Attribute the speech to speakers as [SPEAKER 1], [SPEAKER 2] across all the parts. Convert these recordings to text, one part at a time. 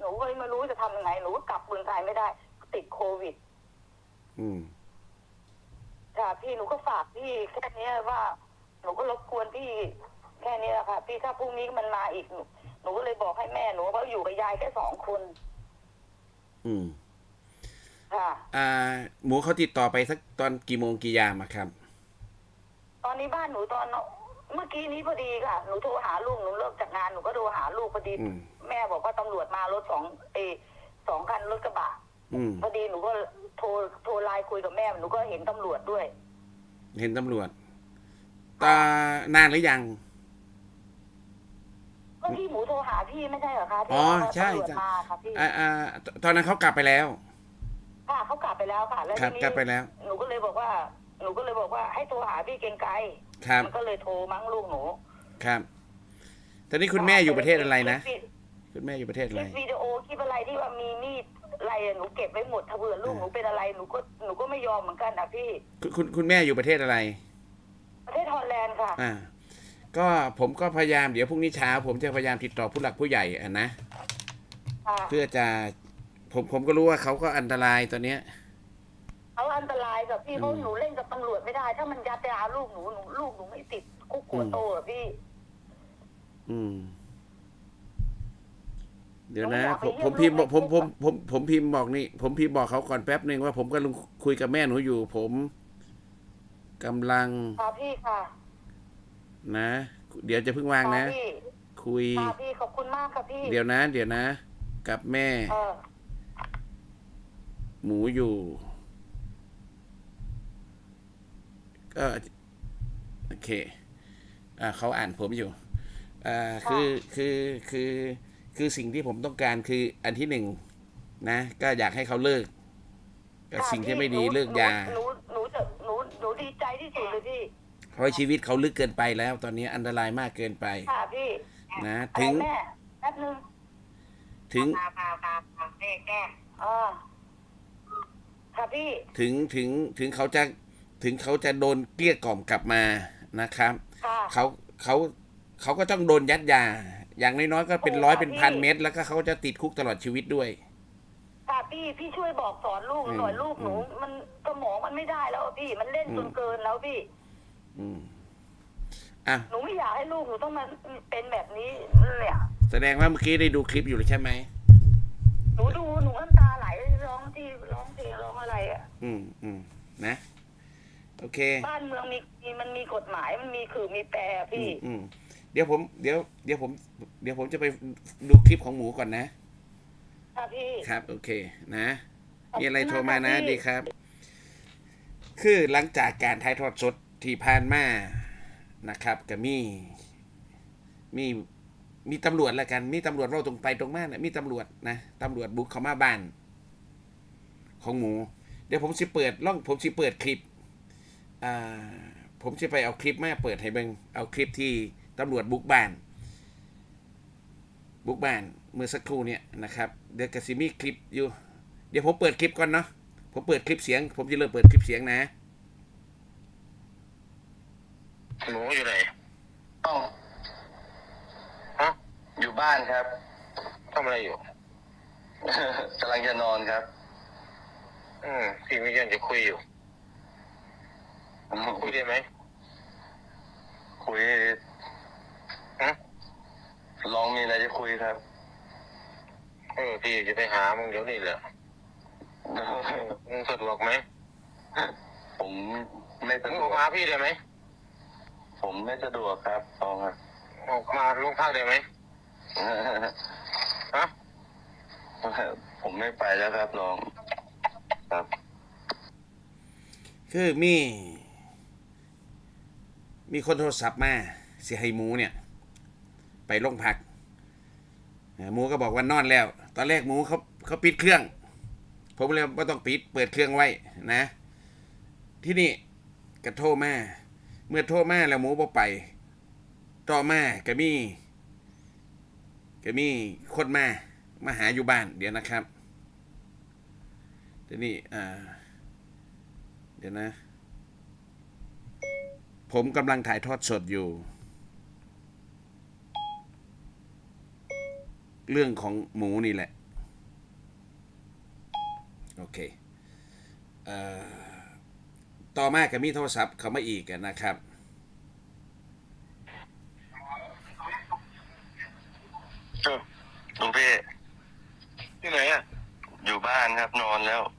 [SPEAKER 1] นูก็ไม่รู้จะทำยังไงหนูก็กลับเมืองไทยไม่ได้ติดโควิดค่ะพี่หนูก็ฝากพี่แค่นี้ว่าหนูก็รบกวนพี่แค่นี้แหละค่ะพี่ถ้าพรุ่งนี้มันมาอีกหนูก็เลยบอกให้แม่หนูว่าอยู่กับยายแค่2 คนค่ะ
[SPEAKER 2] หมูเขาติดต่อไปสักตอนกี่โมงกี่ยามอะครับ
[SPEAKER 1] ตอนนี้บ้านหนูตอนเมื่อกี้นี้พอดีค่ะหนูโทรหาลูกหนูเลิกจากงานหนูก็โทรหาลูกพอดีแม่บอกว่าตำรวจมารถ2 คันรถกระบะพอดีหนูก็โทรไลน์คุยกับแม่หนูก็เห็นตำรวจด้วย
[SPEAKER 2] เห็นตำรวจนานหรือยัง
[SPEAKER 1] ก็พี่หมูโทรหาพี่ไม่ใช่เหรอคะที่
[SPEAKER 2] ใช่
[SPEAKER 1] ตำรวจมาค่ะพี่
[SPEAKER 2] ตอนนั้นเขากลับไปแล้ว
[SPEAKER 1] ค่ะเขากลับไปแล้วค่ะแล้วทีนี้
[SPEAKER 2] กลับไปแล้ว
[SPEAKER 1] หนูก็เลยบอกว่าให้โทรหาพี่เกรียงไกรมันก็เลยโทรมั้งลูกหนู
[SPEAKER 2] ครับตอนนี้คุณแม่อยู่ประเทศอะไรนะคุณแม่อยู่ประเทศอะไร
[SPEAKER 1] วิดีโอคลิปอะไรที่ว่ามีมีดอะไรหนูเก็บไว้หมดถ้าเผื่อลูกหนูเป็นอะไรหนูก็ไม่ยอมเหมือนกันนะพี่
[SPEAKER 2] คุณแม่อยู่ประเทศอะไร
[SPEAKER 1] ประเทศฮอลแลนด์ค่ะ
[SPEAKER 2] ก็ผมก็พยายามเดี๋ยวพรุ่งนี้เช้าผมจะพยายามติดต่อผู้หลักผู้ใหญ่นะเพื่อจะผมก็รู้ว่าเขาก็อันตรายตอนเนี้ย
[SPEAKER 1] เขาอันตรายกับพี่เพราะหนูเล่นกับตำรวจไม่ได้ถ้ามันยัดยาลูกหนูไม่ติดคุกหัวโตอะพี่
[SPEAKER 2] เดี๋ยวนะผมพิมพ์ผมพิมพ์บอกนี่ผมพิมพ์บอกเขาก่อนแป๊บหนึ่งว่าผมกำลังคุยกับแม่หนูอยู่ผมกำลัง
[SPEAKER 1] ค่ะพี่ค่ะ
[SPEAKER 2] นะเดี๋ยวจะเพิ่งวางนะคุย
[SPEAKER 1] ค่ะพี่ขอบคุณมากค่ะพี่
[SPEAKER 2] เดี๋ยวนะกับแม่หมูอยู่ก็โอเคเขาอ่านผมอยู่คือสิ่งที่ผมต้องการคืออันที่1นะก็อยากให้เขาเลิกกับสิ่งที่ไม่ดีเลิกยา
[SPEAKER 1] หนูดีใจที่สุดเลยพี่
[SPEAKER 2] เพราะชีวิตเขาลึกเกินไปแล้วตอนนี้อันตรายมากเกินไป
[SPEAKER 1] ค่ะพี่
[SPEAKER 2] นะถึง
[SPEAKER 1] แม่แป๊บนึง
[SPEAKER 2] ถึง
[SPEAKER 1] แก้ค่ะพี่
[SPEAKER 2] ถึงเขาจะโดนเกลี้ยกล่อมกลับมานะครับเขาก็ต้องโดนยัดยาอย่างน้อยๆก็เป็น100เป็น1,000 เม็ดแล้วก็เขาจะติดคุกตลอดชีวิตด้วย
[SPEAKER 1] ค่ะพี่ช่วยบอกสอนลูกหน่อยลูกหนูมันสมองมันไม่ได้แล้วพี่มันเล่นจนเกินแล้วพี่หนูไม่อยากให้ลูกหนูต้องมาเป็นแบบนี้เนี่ย
[SPEAKER 2] แสดงว่าเมื่อกี้ได้ดูคลิปอยู่เลยใช่ไหม
[SPEAKER 1] หนูดูหนูน้ำตาไหลร้องเพลงร้องอะไร
[SPEAKER 2] นะโอเค
[SPEAKER 1] บ้านเมืองมันมีกฎหมายมันมีคือมีแปรพี่
[SPEAKER 2] เดี๋ยวผมจะไปดูคลิปของหมูก่อนนะครับ
[SPEAKER 1] พี่
[SPEAKER 2] ครับโอเคนะมีอะไรโทรมานะดีครับคือหลังจากการถ่ายทอดสดที่ผ่านมานะครับก็มีตำรวจแล้วกันมีตำรวจเราตรงไปตรงมานะมีตำรวจนะตำรวจบุกเข้ามาบ้านของหมูเดี๋ยวผมสิเปิดคลิปผมจะไปเอาคลิปมาเปิดให้เบิ่งเอาคลิปที่ตำรวจบุกบ้านเมื่อสักครู่เนี่ยนะครับเดี๋ยวกระซิมีคลิปอยู่เดี๋ยวผมเปิดคลิปก่อนเนาะผมเปิดคลิปเสียงผมจะเริ่มเปิดคลิปเสียงนะ
[SPEAKER 3] หนูอยู่ไหน
[SPEAKER 4] อยู่บ้านครับ
[SPEAKER 3] ทำอะไรอยู่
[SPEAKER 4] กำลังจะนอนครับ
[SPEAKER 3] พี่มีเรื่องจะคุยอยู่คุยได้ไหม
[SPEAKER 4] คุยลองมีอะไรจะคุยครับ
[SPEAKER 3] พี่จะไปหามึงเดี๋ยวนี้แหละมึงสะดวกไหม
[SPEAKER 4] ผมไม่สะดวก
[SPEAKER 3] ออกมาพี่ได้ไหม
[SPEAKER 4] ผมไม่สะดวกครับลองครับ
[SPEAKER 3] ออกมาโรงพักได้ไหม
[SPEAKER 4] ผมไม่ไปแล้วครับลองครับ
[SPEAKER 2] คือมีคนโทรศัพท์มาเสียให้หมูเนี่ยไปโรงพักหมูก็บอกว่านอนแล้วตอนแรกหมูเขาปิดเครื่องผมเลยว่าต้องปิดเปิดเครื่องไว้นะที่นี่ก็โทรมาเมื่อโทรมาแล้วหมูบอกไปต่อมาก็มีคนมาหาอยู่บ้านเดี๋ยวนะครับทีนี้เดี๋ยวนะผมกำลังถ่ายทอดสดอยู่เรื่องของหมูนี่แหละโอเคต่อมาก็มีโทรศัพท์เข้ามาอีกนะครับ
[SPEAKER 4] ลุงพี่ที่ไหนอ่ะอยู่บ้านครับนอนแล้ว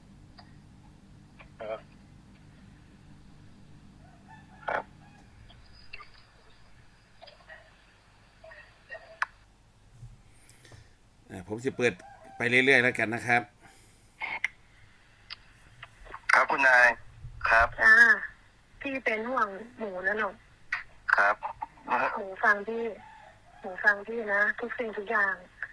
[SPEAKER 4] ครับ
[SPEAKER 2] ผมจะเปิดไปเรื่อยๆแล้วกันนะครับ
[SPEAKER 4] ครับคุณนายครับ
[SPEAKER 5] พี่เป็นห่วงหมูนะหนู
[SPEAKER 4] ครับ
[SPEAKER 5] หมูฟังพี่นะทุกสิ่งทุกอย่าง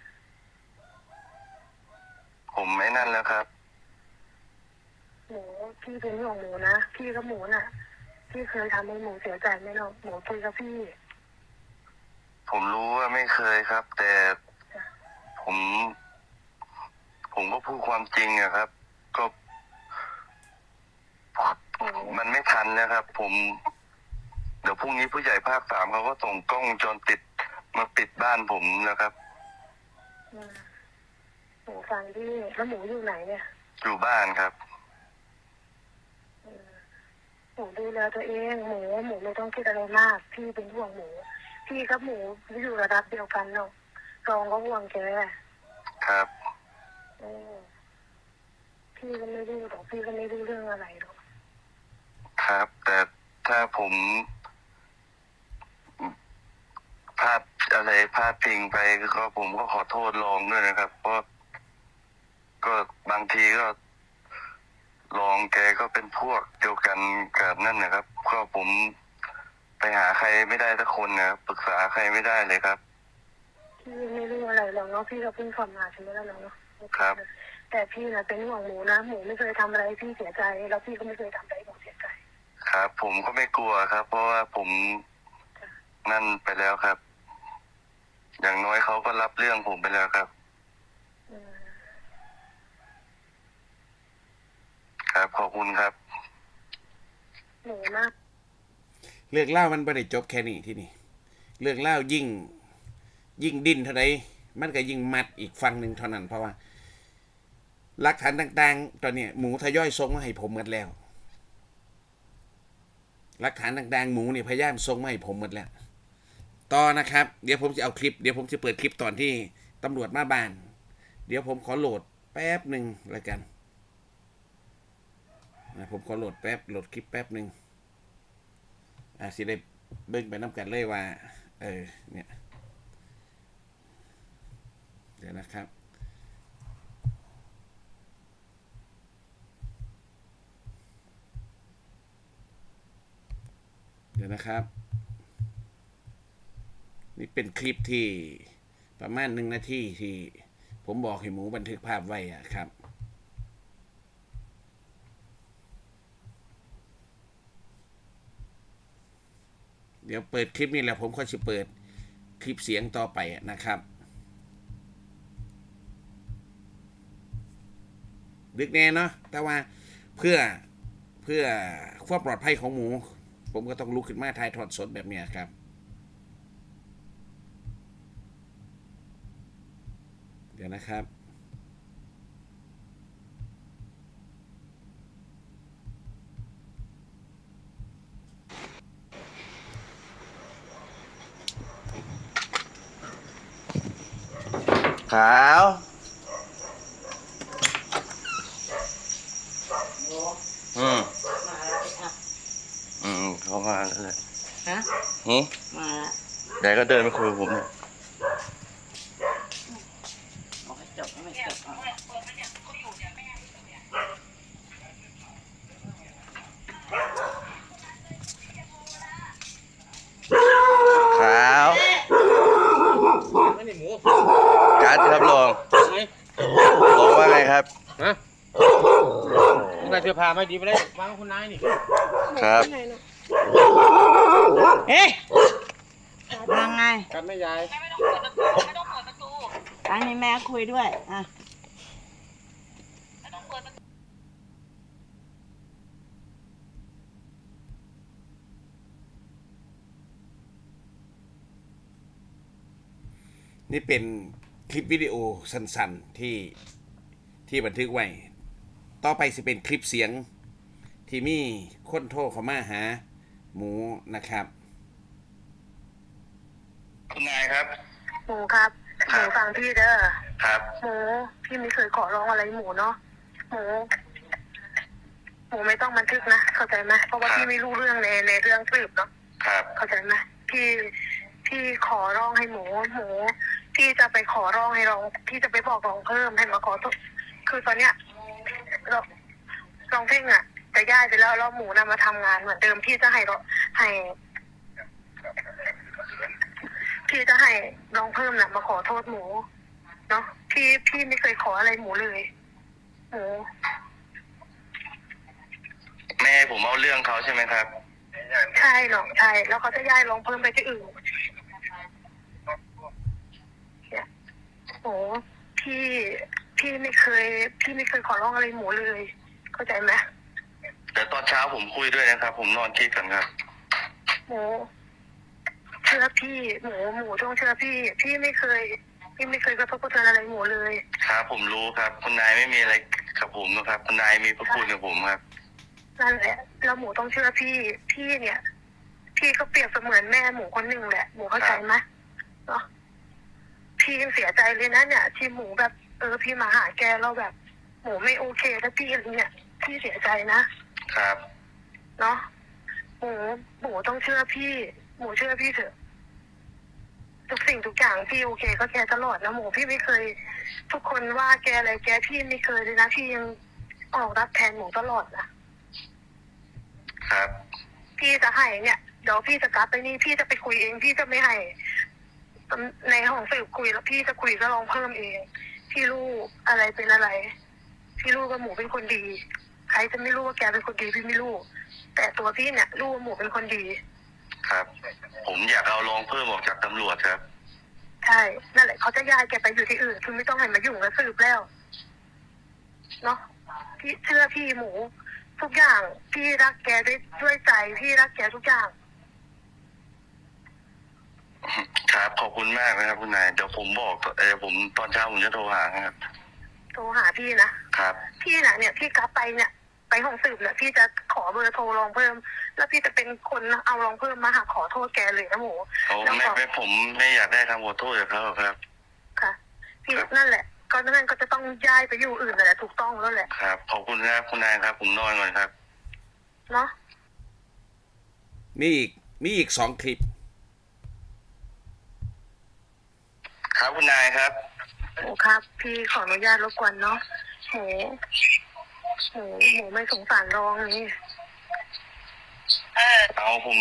[SPEAKER 4] ผมไม่นั่นแล้วครับ
[SPEAKER 5] หมูพี่เป็นห่วงหมูนะพี่กับหมูน่ะพี่เคยทำให้หมูเสียใจไหมหรอกหมูคุยกับพี่
[SPEAKER 4] ผมรู้ว่าไม่เคยครับ แต่ผมก็พูดความจริงอะครับ ก็มันไม่ทันนะครับ เดี๋ยวพรุ่งนี้ผู้ใหญ่ภาค 3เขาก็ส่งกล้องวงจรปิดมาปิดบ้านผมนะครับ
[SPEAKER 5] หมูฟังพี่แล้วหมูอยู่ไหนเนี่ย
[SPEAKER 4] อยู่บ้านครับ
[SPEAKER 5] หมูดูแลตัวเองหมูไม่ต้องคิดอะไรมากพี่เป็นห่วงหมูพี่กับหมูอยู่ระดับเดียวกันเนาะรองก็ห่วงแก
[SPEAKER 4] ครับ
[SPEAKER 5] พี่ก็ไม่รู้หรอกพี่ก็ไม่รู้เรื่องอะไรหรอก
[SPEAKER 4] ครับ แต่ถ้าผมพลาดพิงไปก็ผมก็ขอโทษรองด้วยนะครับ เพราะก็บางทีก็รองแกก็เป็นพวกเดียวกันกับนั่นนะครับก็ผมไปหาใครไม่ได้สักคนนะครับปรึกษาใครไม่ได้เลยครับ
[SPEAKER 5] พี่ไม่รู้อะไรหรอกเนาะพี่ก็เพิ่งสอบมาใช่ไหมล่ะเนาะ
[SPEAKER 4] ครับ
[SPEAKER 5] แต่พี่นะเป็นห่วงหมูนะหมูไม่เคยทำอะไรให้พี่เสียใจแล้วพี่ก็ไม่เคยทำอะไรให้หมูเสียใจ
[SPEAKER 4] ครับ ผมก็ไม่กลัวครับ เพราะว่าผมนั่นไปแล้วครับ อย่างน้อยเขาก็รับเรื่องผมไปแล้วครับ ครับขอบคุณครับ
[SPEAKER 5] หมูมาก
[SPEAKER 2] เรื่องเล่ามันไม่ได้จบแค่นี้ที่นี่เรื่องเล่ายิ่งดิ้นเท่าไรมันก็ยิ่งมัดอีกฝั่งหนึ่งเท่านั้นเพราะว่าหลักฐานต่างๆตอนนี้หมูทยอยส่งมาให้ผมหมดแล้วหลักฐานต่างๆหมูเนี่ยพยายามส่งมาให้ผมหมดแล้วต่อนะครับเดี๋ยวผมจะเอาคลิปเดี๋ยวผมจะเปิดคลิปตอนที่ตำรวจมาบ้านเดี๋ยวผมขอโหลดแป๊บหนึ่งแล้วกันผมขอโหลดคลิปแป๊บหนึ่งสิได้เบิ่งไปน้ำกันเลยว่าเนี่ยเดี๋ยวนะครับนี่เป็นคลิปที่ประมาณ1 นาทีที่ผมบอกให้หมูบันทึกภาพไว้ครับเดี๋ยวเปิดคลิปนี้แล้วผมก็จะเปิดคลิปเสียงต่อไปนะครับดึกแน่เนาะแต่ว่าเพื่อความปลอดภัยของหมูผมก็ต้องลุกขึ้นมาถ่ายทอดสดแบบนี้ครับเดี๋ยวนะครับ
[SPEAKER 4] ขาวเขามาแล้วเลย
[SPEAKER 6] ฮะ
[SPEAKER 4] หืม
[SPEAKER 6] มาละ
[SPEAKER 4] ยายก็เดินมาคุยกับผมเนี่ย
[SPEAKER 6] บอกให้จบไม่จบอ่ะ
[SPEAKER 4] ขาวการ์ดครับลองว่าไงครับ
[SPEAKER 7] ฮะมึงใส่เสื้อผ้าไม่ดีไปเลยวางคุณนายนี่
[SPEAKER 4] ครับ
[SPEAKER 6] เอ๊ะยังไง
[SPEAKER 7] กันไม่ยาย
[SPEAKER 6] อันนี้แม่คุยด้วยอ่ะ
[SPEAKER 2] นี่เป็นคลิปวิดีโอสั้นๆที่บันทึกไว้ต่อไปสิเป็นคลิปเสียง ที่มีคนโทรเข้ามาหาหมูนะครับ
[SPEAKER 3] คุณนายครับ
[SPEAKER 5] หมูครับหมูฟังพี่เด้อ
[SPEAKER 3] ครับ
[SPEAKER 5] หมูพี่ไม่เคยขอร้องอะไรหมูเนาะหมูไม่ต้องบันทึกนะเข้าใจไหมเพราะว่าพี่ไม่รู้เรื่องในเรื่องสืบเนาะ
[SPEAKER 3] ครับ
[SPEAKER 5] เข้าใจไหมพี่ขอร้องให้หมูพี่จะไปขอร้องให้รองพี่จะไปบอกรองเพิ่มให้มาขอโทษคือตอนเนี้ยรองเพ่งอ่ะจะย้ายไปแล้วหมูนำมาทำงานเหมือนเดิมพี่จะให้พี่จะให้รองเพิ่มน่ะมาขอโทษหมูเนาะพี่ไม่เคยขออะไรหมูเลยหมู
[SPEAKER 3] แม่ให้ผมเอาเรื่องเขาใช่ไหมครับ
[SPEAKER 5] ใช่หรอกใช่แล้วเขาจะย้ายรองเพิ่มไปที่อื่นเนี่ยโอ้พี่ไม่เคยขอร้องอะไรหมูเลยเข้าใจไหม
[SPEAKER 3] แต่ตอนเช้าผมคุยด้วยนะครับ ผมนอนคิดกันครับ
[SPEAKER 5] หมูเชื่อพี่หมูต้องเชื่อพี่ไม่เคยกระทบกระเทือนอะไรหมูเลย
[SPEAKER 3] ครับผมรู้ครับคุณนายไม่มีอะไรกับผมนะครับคุณนายมีพระคุณกับผมครับ
[SPEAKER 5] นั่นแหละแล้วหมูต้องเชื่อพี่เนี่ย พี่ก็เปรียบเสมือนแม่หมูคนหนึ่งแหละหมูเข้าใจไหมเนาะพี่ยังเสียใจเลยนะเนี่ยที่หมูแบบพี่มาหาแกแล้วแบบหมูไม่โอเคแล้วพี่อะไรเนี่ยพี่เสียใจนะครับ เนาะหมูต้องเชื่อพี่หมูเชื่อพี่เถอะทุกสิ่งทุกอย่างพี่โอเคก็แกตลอดนะหมูพี่ไม่เคย ทุกคนว่าแกอะไรแกพี่ไม่เคยเลยนะพี่ยังออกรับแทนหมูตลอดนะครับ พี่จะให้เนี่ยเดี๋ยวพี่จะกลับไปนี่พี่จะไปคุยเองพี่จะไม่ให้ในห้องสืบคุยแล้วพี่จะคุยก็ลองเพิ่มเองพี่รู้อะไรเป็นอะไรพี่รู้ว่าหมูเป็นคนดีใครจะไม่รู้ว่าแกเป็นคนดีพี่ไม่รู้แต่ตัวพี่เนี่ยรู้ว่าหมูเป็นคนดี
[SPEAKER 3] ครับ ผมอยากเอารองเพิ่มออกจากตำรวจครับ
[SPEAKER 5] ใช่นั่นแหละเขาจะย้ายแกไปอยู่ที่อื่นคือไม่ต้องให้มายุ่งกับสืบแล้วเนาะพี่เชื่อพี่หมูทุกอย่างพี่รักแกด้วยใจพี่รักแกทุกอย่าง
[SPEAKER 3] ครับขอบคุณมากนะครับคุณนายเดี๋ยวผมบอกผมตอนเช้าผมจะโทรหาครับ
[SPEAKER 5] โทรหาพี่นะครับ พี่น่ะเนี่ยพี่กลับไปเนี่ยไปห้องสืบเนี่ยพี่จะขอเบอร์โทรรองเพิ่มแล้วพี่จะเป็นคนเอารองเพิ่มมาหาขอโทษแกเลยนะหมู
[SPEAKER 3] โอ้
[SPEAKER 5] แล้ว
[SPEAKER 3] ไม่ผมไม่อยากได้คำขอโทษจากเขาครับ
[SPEAKER 5] ค่ะพี่นั่นแหละก็นั่นก็จะต้องย้ายไปอยู่อื่นนั่นแหละถูกต้องแล้วแหละ
[SPEAKER 3] ครับขอบคุณครับคุณนายครับ ผมนอนก่อนครับ
[SPEAKER 5] เนาะ
[SPEAKER 2] มีอีก2 คลิป
[SPEAKER 3] ครับคุณนายครับ
[SPEAKER 5] หมูครับพี่ขออนุญาตรบกวนเนาะหมูไม่สงสารรองนี่
[SPEAKER 3] เอาผม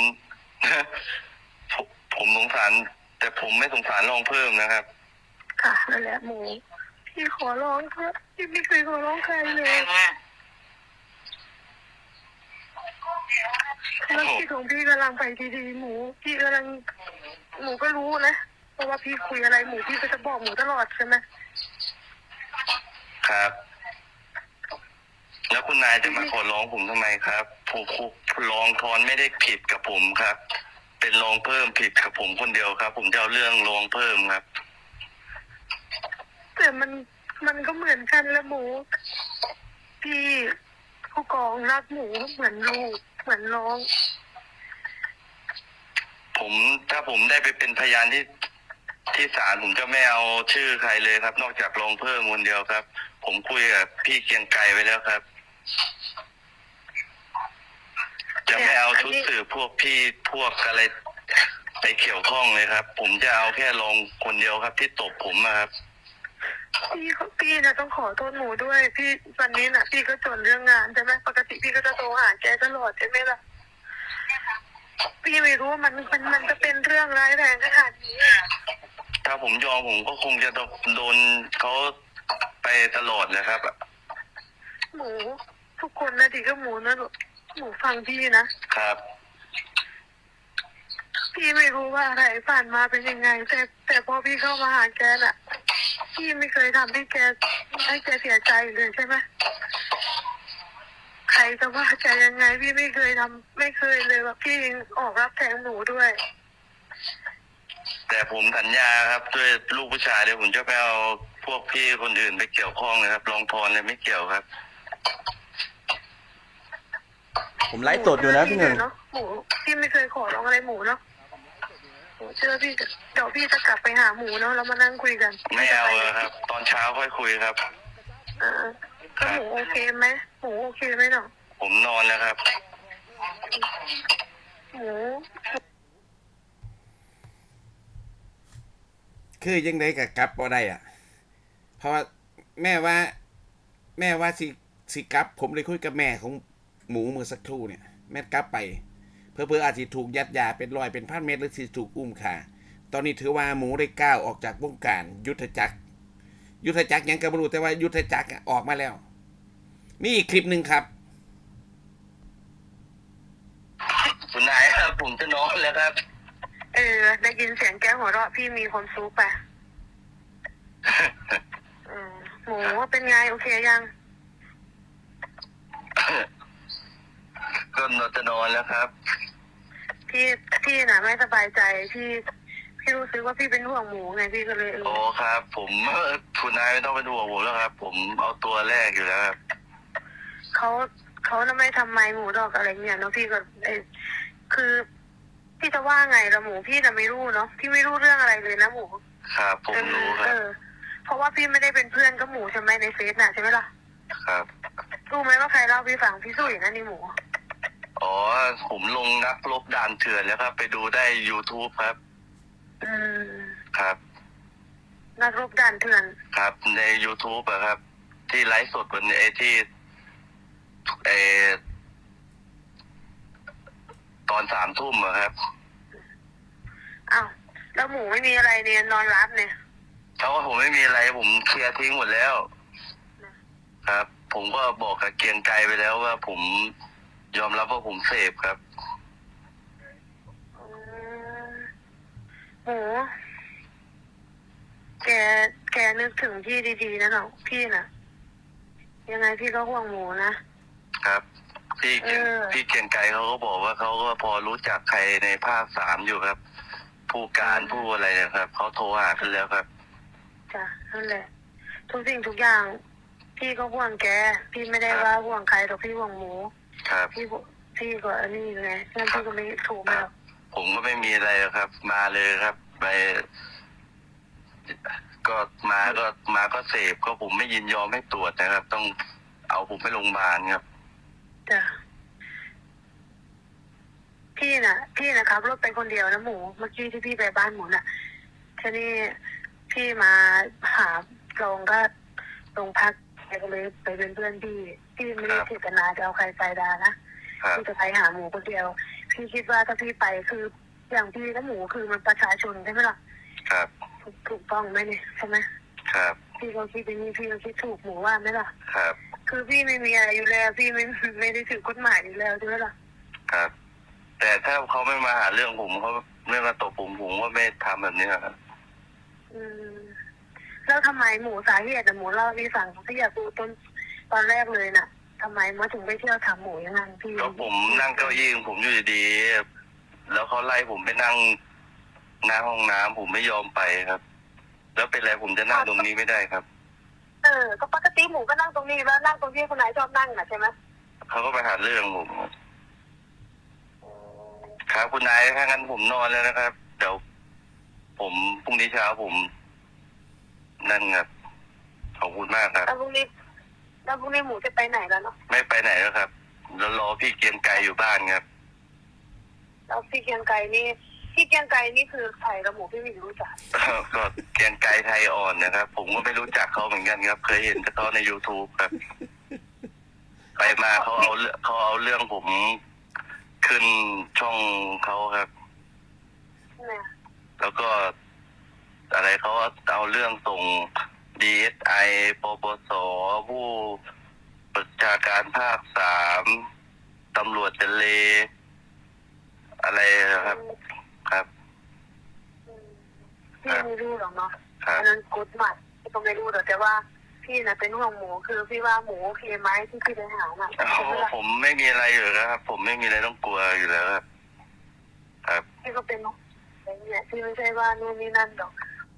[SPEAKER 3] ผมสงสารแต่ผมไม่สงสารรองเพิ่มนะครับ
[SPEAKER 5] ค่ะนั่นแหละหมูพี่ขอร้องเถอะพี่ไม่เคยขอร้องใครเลยแล้วพี่ของพี่กำลังไปดีๆหมูพี่กำลังหมูก็รู้นะเพราะว่าพี่คุยอะไรหมูพี่ก็จะบอกหมูตลอดใช่ไหม
[SPEAKER 3] ครับ แล้วคุณนายจะมาขอร้องผมทำไมครับผมรองทอนไม่ได้ผิดกับผมครับ เป็นรองเพิ่มผิดกับผมคนเดียวครับ ผมจะเอาเรื่องรองเพิ่มครับ
[SPEAKER 5] แต่มันก็เหมือนกันละหมูพี่ผู้กองรักหมูเหมือนลูกเหมือนน้อง
[SPEAKER 3] ถ้าผมได้ไปเป็นพยานที่ศาลผมจะไม่เอาชื่อใครเลยครับ นอกจากรองเพิ่มคนเดียวครับ ผมคุยกับพี่เกรียงไกรไปแล้วครับ จะไม่เอาชุดสืบพวกพี่พวกอะไรไปเกี่ยวข้องเลยครับ ผมจะเอาแค่รองคนเดียวครับ ที่ตบผมนะครับ
[SPEAKER 5] พี่นะต้องขอโทษหมูด้วยพี่วันนี้นะพี่ก็จนเรื่องงานใช่ไหมปกติพี่ก็จะโทรหาแกตลอดใช่ไหมล่ะพี่ไม่รู้ว่ามันจะเป็นเรื่องร้ายแรงขนาดนี้
[SPEAKER 3] ถ้าผมยอมผมก็คงจะโดนเขาไปตลอดเลยครับ
[SPEAKER 5] หมูทุกคนนะดีก็หมูนะหมูฟังพี่นะครับ พี่ไม่รู้ว่าอะไรผ่านมาเป็นยังไงแต่พอพี่เข้ามาหาแกน่ะพี่ไม่เคยทำให้แกเสียใจเลยใช่ไหมใครจะว่าใจยังไงพี่ไม่เคยทำไม่เคยเลยว่าพี่ออกรับแทนหนูด้วย
[SPEAKER 3] แต่ผมสัญญาครับด้วยลูกผู้ชายเดี๋ยวผมจะไปเอาพวกพี่คนอื่นไปเกี่ยวข้องเลยครับรองพรเลยไม่เกี่ยวครับ
[SPEAKER 8] ผมไลฟ์สดอยู่นะพี่หนึ่ง
[SPEAKER 5] เนาะหมูพี่ไม่เคยขอร้องอะไรหมูเนาะหมูเชื่อพี่เดี๋ยวพี่จะกลับไปหาหมูเนาะแล้วมานั่งคุยกัน
[SPEAKER 3] ไม่เอาเลยครับ ตอนเช้าค่อยคุยครับ
[SPEAKER 5] ก็หมูโอเคไหมหมูโอเคไหมเนาะ
[SPEAKER 3] ผมนอนแล้วครับ
[SPEAKER 5] หมู
[SPEAKER 2] คือยังไงกับกลับบ่ได้อ่ะ เพราะว่าแม่ว่าสิกลับ ผมเลยคุยกับแม่ของหมูเมื่อสักครู่เนี่ย แม่กลับไปเพื่ออาจจะถูกยัดยาเป็น100เป็น1,000 เม็ดหรือสิถูกอุ้มฆ่าตอนนี้ถือว่าหมูได้ก้าวออกจากวงการยุทธจักรยังก็บ่รู้แต่ว่ายุทธจักรออกมาแล้ว มีอีกคลิปหนึ่งครับ
[SPEAKER 3] คุณนายครับผมจะนอนแล้วครับ
[SPEAKER 5] ได้ยินเสียงแก้วหัวเราะพี่มีความสุขปะหมูว่าเป็นไงโอเคยัง
[SPEAKER 3] ก็จะนอนแล้วครับ
[SPEAKER 5] พี่น่ะไม่สบายใจพี่รู้สึกว่าพี่เป็นห่วงหมูไงพี่ก็เลย
[SPEAKER 3] โอ้ครับ ผมคุณนายไม่ต้องไปดูผมแล้วครับ ผมเอาตัวแรกอยู่แล้วครับ
[SPEAKER 5] เขาน่ะไม่ทำไมหมูดอกอะไรเนี่ยเนาะพี่ก็คือพี่จะว่าไงละหมูพี่น่ะไม่รู้เนาะพี่ไม่รู้เรื่องอะไรเลยนะหมู
[SPEAKER 3] ครับผมรู้ครับ
[SPEAKER 5] เพราะว่าพี่ไม่ได้เป็นเพื่อนกับหมูใช่ไหมในเฟซน่ะใช่ไหมล่ะ
[SPEAKER 3] ครับ
[SPEAKER 5] รู้ไหมว่าใครเล่าพี่ฟังพี่สุยนะนี่หมู
[SPEAKER 3] อ๋อผมลงนักรบด่านเถื่อนแล้วครับ ไปดูได้ YouTube ครับ ครับ
[SPEAKER 5] นักรบด่านเถื่อน
[SPEAKER 3] ครับใน YouTube อะครับ ที่ไลฟ์สดวันนี้ที่ตอน3 ทุ่มอะครับ
[SPEAKER 5] อ้าวแล้วหมูไม่มีอะไรเนี่ยนอนรับเนี่ย
[SPEAKER 3] เขาว่าผมไม่มีอะไรผมเคลียร์ทิ้งหมดแล้ว ครับ ผมก็บอกกับเกรียงไกรไปแล้วว่าผมยอมรับว่าผมเสพครับ
[SPEAKER 5] หมูแกนึกถึงพี่ดีๆนะเนาะพี่น่ะ ยังไงพี่ก็ห่วงหมูนะครับ
[SPEAKER 3] พี่เกรียงไกรเขาก็บอกว่าเขาก็พอรู้จักใครในภาค3อยู่ครับ ผู้การผู้อะไรนะครับเขาโทรหากันแล้วครับ
[SPEAKER 5] จ้ะนั่นแหละทุกสิ่งทุกอย่างพี่ก็ห่วงแกพี่ไม่ได้ว่าห่วงใครหรอกพี่ห่วงหมู
[SPEAKER 3] ครับ
[SPEAKER 5] พี่ก็อันนี้ไงงั้นพี่ก็ไม่ถูกไหมหรอก
[SPEAKER 3] ผมก็ไม่มีอะไรหรอกครับ มาเลยครับ ไป ก็มาก็เสพก็ผมไม่ยินยอมให้ตรวจนะครับ ต้องเอาผมไปโรงพยาบาลครับ
[SPEAKER 5] จ้ะพี่น่ะขับรถไปคนเดียวนะหมูเมื่อกี้ที่พี่ไปบ้านหมูน่ะทีนี้พี่มาหาลงก็ลงพักแกก็เลยไปเป็นเพื่อนพี่ไม่ได้เจตนาจะเอาใครไปดานะพี่จะไปหาหมูคนเดียวพี่คิดว่าถ้าพี่ไปคืออย่างพี่และหมูคือมันประชาชนใช่ไหมล่ะ
[SPEAKER 3] ครับ
[SPEAKER 5] ถูกต้องไหมเนี่ยใช่ไหม
[SPEAKER 3] ครับ
[SPEAKER 5] พี่ก็คิดอย่างนี้พี่ก็คิดถูกหมูว่าไหมล่ะ
[SPEAKER 3] ครับ
[SPEAKER 5] คือพี่ไม่มีอะไรอยู่แล้วพี่ไม่ได้ถือกฎหมายอยู่แล้วใช่ไหมล่ะ
[SPEAKER 3] ครับ แต่ถ้าเขาไม่มาหาเรื่องผมเขาไม่มาตบผมก็ไม่ทำแบบนี้ครับ
[SPEAKER 5] แล้วทำไมหมูสาเหตุหมูเล่าให้ฟังพี่อยากรู้ตอนแรกเลยน่ะทำไมมาถึงไปเที่ยวถามหมูอย่างนั้นพี่
[SPEAKER 3] ก็ผมนั่งเก้าอี้ของผมอยู่ดีๆแล้วเขาไล่ผมไปนั่งหน้าห้องน้ำผมไม่ยอมไปครับ แล้วเป็นไรผมจะนั่งตรงนี้ไม่ได้ครับ
[SPEAKER 5] ก็ปกติหมูก็นั่งตรงนี้แล้วนั่งตรงที่คนไหนชอบนั่งน่ะใช่ไหม
[SPEAKER 3] เขาก็ไปหาเรื่องผมครับคุณนายถ้างั้นผมนอนแล้วนะครับ เดี๋ยวผมพรุ่งนี้เช้าผมนั่นครับขอบคุณมากครับ
[SPEAKER 5] แล้วพรุ่งนี้หมูจะไปไหนแล้วเนาะ
[SPEAKER 3] ไม่ไปไหนแล้วครับแล้วรอพี่เกรียงไกรอยู่บ้านครับ
[SPEAKER 5] แล้วพี่เกียงไก่นี่คือใครกับหมูพี่ไม่รู้จัก
[SPEAKER 3] ก็เกรียงไกรไทยอ่อนนะครับ ผมก็ไม่รู้จักเขาเหมือนกันครับ เคยเห็นแต่เขาใน YouTube ครับ ไปมาเขาเอาเรื่องผมขึ้นช่องเขาครับ
[SPEAKER 5] เนี่ย
[SPEAKER 3] แล้วก็อะไรเขาเอาเรื่องส่ง DSI ปปสผู้ประชาการภาค3ตำรวจทะเลอะไรครับ ครับ
[SPEAKER 5] พี่ไม่รู้หรอกเนาะ
[SPEAKER 3] ครับ
[SPEAKER 5] อันนั้นกฎหมายพี่ก็ไม่รู้หรอกแต่ว่าพี่น่ะเป็นห่วงหมูคือพี่ว่าหมูโอเคไหมที่พี่ไปหาน่ะ
[SPEAKER 3] โอ้โหผมไม่มีอะไรอยู่แล้วครับ ผมไม่มีอะไรต้องกลัวอยู่แล้วครับ ครับ
[SPEAKER 5] พี่ก็เป็นอย่างเงี้ยพี่ไม่ใช่ว่านู่นนี่นั่นหรอก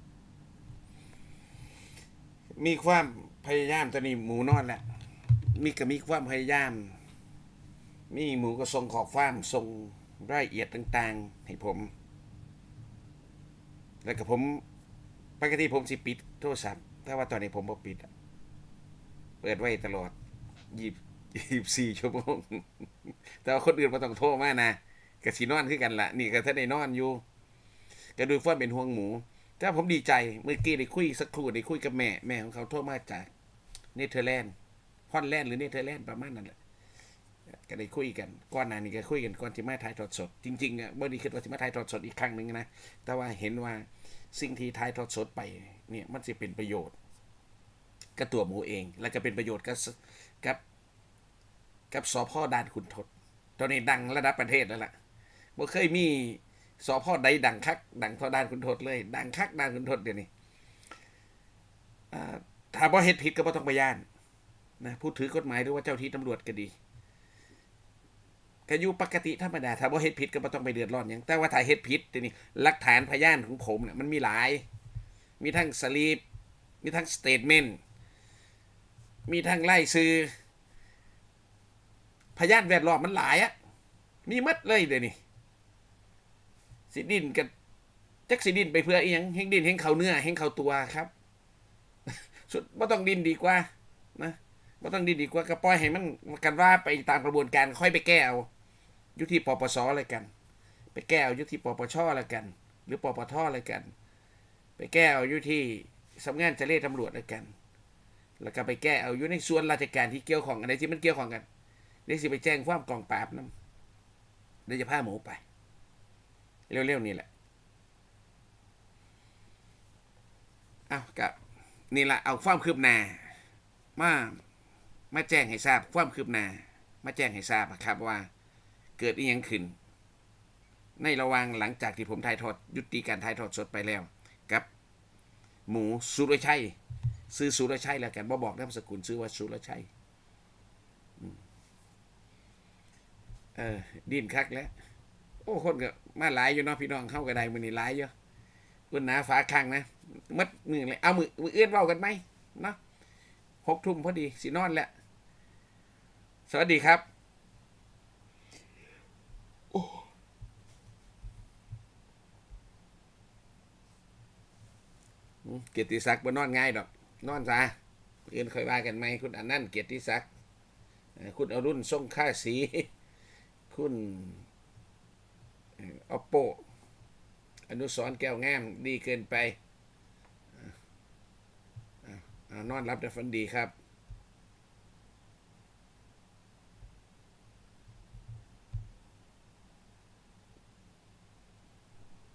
[SPEAKER 2] มีความพยายามตอนนี้หมูนอนแล้วมีความพยายามมีหมูก็ส่งขอความส่งรายละเอียดต่างๆให้ผม แล้วก็ผมปกติผมสิปิดโทรศัพท์แต่ว่าตอนนี้ผมบ่ปิดอะเปิดไว้ตลอด24 ชั่วโมง แต่ว่าคนอื่นบ่ต้องโทรมานะก็สินอนคือกันล่ะนี่ก็ถ้าได้นอนอยู่ก็ดูว่าเป็นห่วงหมูแต่ผมดีใจเมื่อกี้ได้คุยสักครู่ได้คุยกับแม่ของเขาโทรมาจากเนเธอร์แลนด์ฮอลแลนด์หรือเนเธอร์แลนด์ประมาณนั้นแหละก็ได้คุยกันก่อนหน้านี้ก็คุยกันก่อนที่มาถ่ายทอดสดจริงๆอ่ะบ่ได้คิดว่าสิมาถ่ายทอดสดอีกครั้งนึงนะแต่ว่าเห็นว่าสิ่งที่ถ่ายทอดสดไปเนี่ยมันสิเป็นประโยชน์กับตัวหมูเองแล้วก็เป็นประโยชน์กับสพ.ด่านขุนทดตอนนี้ดังระดับประเทศแล้วล่ะบ่เคยมีสพ.ใดดังคักดังเท่าด่านขุนทดเลยดังคักด่านขุนทดเดี๋ยวนี้ถ้าบ่เฮ็ดผิดก็บ่ต้องไปย่านนะผู้ถือกฎหมายหรือว่าเจ้าที่ตำรวจก็ดีก็อยู่ปกติธรรมดาถ้าบ่เฮ็ดผิดก็บ่ต้องไปเดือดร้อนหยังแต่ว่าถ้าเฮ็ดผิดเดี๋ยวนี้หลักฐานพยานของผมเนี่ยมันมีหลายมีทั้งสลิปมีทั้งสเตทเมนต์มีทั้งไล่ซื้อพยานแวดล้อมมันหลายอะมีหมดเลยเดี๋ยวนี้สิดินกับจักสิดินไปเพื่ออีหยังเฮงดินเฮงเข้าเนื้อเฮงเข้าตัวครับ สุดบ่ต้องดินดีกว่านะบ่ต้องดินดีกว่าก็ปล่อยให้มันกันว่าไปตามกระบวนการค่อยไปแก้เอาอยู่ที่ปปสอะไรกันไปแก้เอาอยู่ที่ปปชอะไรกันหรือปปทอะไรกันไปแก้เอาอยู่ที่สำนักงานเจรตำรวจอะไรกันแล้วก็ไปแก้เอาอยู่ในส่วนราชการที่เกี่ยวข้องอะไรที่มันเกี่ยวข้องกันเดี๋ยวสิไปแจ้งความกองปราบนำเดี๋ยวจะพาหมูไปเร็วๆนี่แหละเอากับนี่ละเอาความคืบหน้ามาแจ้งให้ทราบความคืบหน้ามาแจ้งให้ทราบครับว่าเกิดอีหยังขึ้นในระหว่างหลังจากที่ผมถ่ายทอดยุติการถ่ายทอดสดไปแล้วกับหมูสุรชัยซื้อสุรชัยแล้วกันบ่บอกนามสกุลซื้อว่าสุรชัยดิ้นคักแล้วโอ้คนก็มาหลายอยู่เนาะพี่น้องเข้าก็ได้มื้อนี้หลายอยู่อุ่นหนาฝาข้างนะมัดมือเลยเอามือเอื้อนเว้ากันไหมเนาะ6 ทุ่มพอดีสินอนแล้วสวัสดีครับเกียรติศักดิ์บ่นอนง่ายดอกนอนซะเอื้อนค่อยว่ากันไหมคุณอนันต์เกียรติศักดิ์คุณอรุณทรงค่าสีคุณอปโปอนุสรณ์แก้วงามดีเกินไปนอนรับแต่ฝันดีครับ